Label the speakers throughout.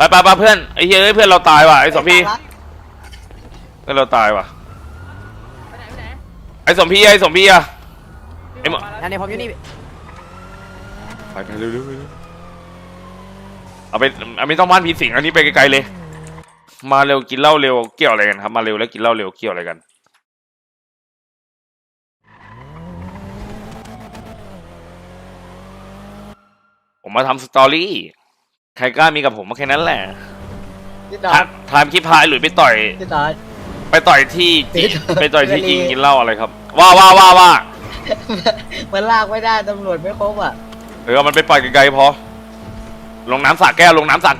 Speaker 1: ไปเพื่อนไอ้เฮ้ยเพื่อนเราตายว่ะไอ้สมพี่เพื่อนเราตายว่ะไอ้สมพี่อะไอ้หมอ
Speaker 2: นั่นเนี่ยผมอยู่นี่
Speaker 1: ไปเร็วเอาไปไม่ต้องบ้านผีสิงอันนี้ไปไกลๆเลยมาเร็วกินเหล้าเร็วเกี่ยวอะไรกันครับมาเร็วแล้วกินเหล้าเร็วเกี่ยวอะไรกันผมมาทำสตอรี่ใครกล้ามีกับผมมาแค่นั้นแหละทำคลิปพายหรือไปต่อยที่จีกินเหล้าอะไรครับว่า
Speaker 2: มันลากไม่ได้ตำรวจไม่ครบอ่ะ
Speaker 1: มันไปปล่อยไกลๆพอลงน้ำสระแก้ว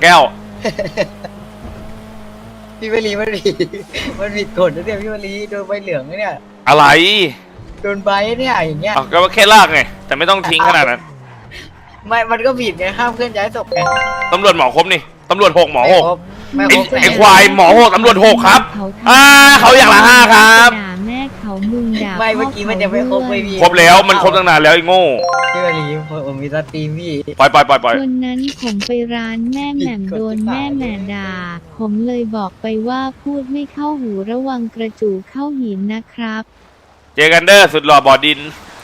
Speaker 2: พี่วลีมันผิดกฎนะเนี่ยพี่วลีโดนใบเหลืองเนี่ย
Speaker 1: อะไร
Speaker 2: โดนใบเนี่ยอย่างเงี้ย
Speaker 1: ก็แค่ลากไงแต่ไม่ต้องทิ้งขนาดนั้น
Speaker 2: ไม่มันก็ผิดไงห้ามเคลื่อนย้ายศพไง
Speaker 1: ตำรวจหมอครบนี่ตำรวจ6หมอ6
Speaker 2: ไม่ครบ
Speaker 1: ไอ้ควายหมอ6ตำรวจ6ครับเขาอย่างละ5ครับ
Speaker 3: แม่เขามึงด่า
Speaker 2: ไม่เมื่อกี้มันจะไม่ครบไม่มี
Speaker 1: ครบแล้วมันครบตั้งนานแล้วไอ้โง่
Speaker 2: พี่วลีผมมีสตรีมพี่
Speaker 1: ปล่อย
Speaker 3: วันนั้นผมไปร้านแม่แหม่มโดนแม่แหม่ด่าผมเลยบอกไปว่าพูดไม่เข้าหูระวังกระจูเข้าหินนะครับ
Speaker 1: เจอกันเด้อสุดหล่อบ่อดิน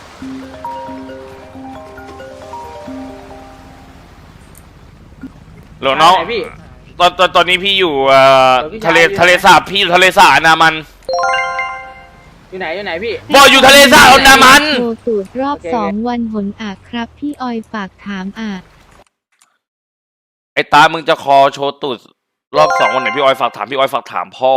Speaker 1: หลวงน้องตอนนี้พี่อยู่ทะเลสาบพี่อยู่ทะเลสาบนามัน
Speaker 2: อยู่ไหนพี่
Speaker 1: บอกอยู่ทะเลสาบนามัน
Speaker 3: โชว์ตูดรอบ2 วันหนอ่ะครับพี่ออยฝากถามอ่ะ
Speaker 1: ไอ้ตามึงจะคอโชว์ตูดรอบ2วันไหนพี่ออยฝากถามพี่ออยฝากถามพ่อ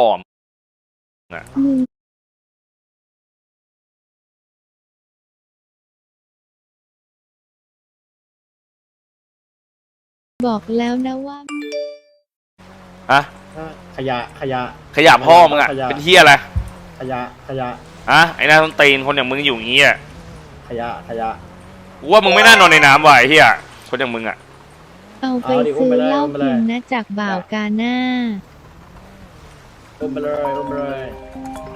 Speaker 3: บอกแล้วนะว่า
Speaker 1: อะ
Speaker 2: ขย
Speaker 1: ะพ่อมึงอะเป็นเหี้ยอะไร
Speaker 2: ขยะ
Speaker 1: ไอ้หน้าต้นตีนคนอย่างมึงอยู่อย่างงี้อะ
Speaker 2: ขยะ
Speaker 1: กูว่ามึงไม่น่านอนในน้ำว่ะไอ้เหี้ยคนอย่างมึงอะ
Speaker 3: เอาไปซื้อเหล้ากินนะจากบ่าวกาหน้า
Speaker 2: อุ้มไปเลย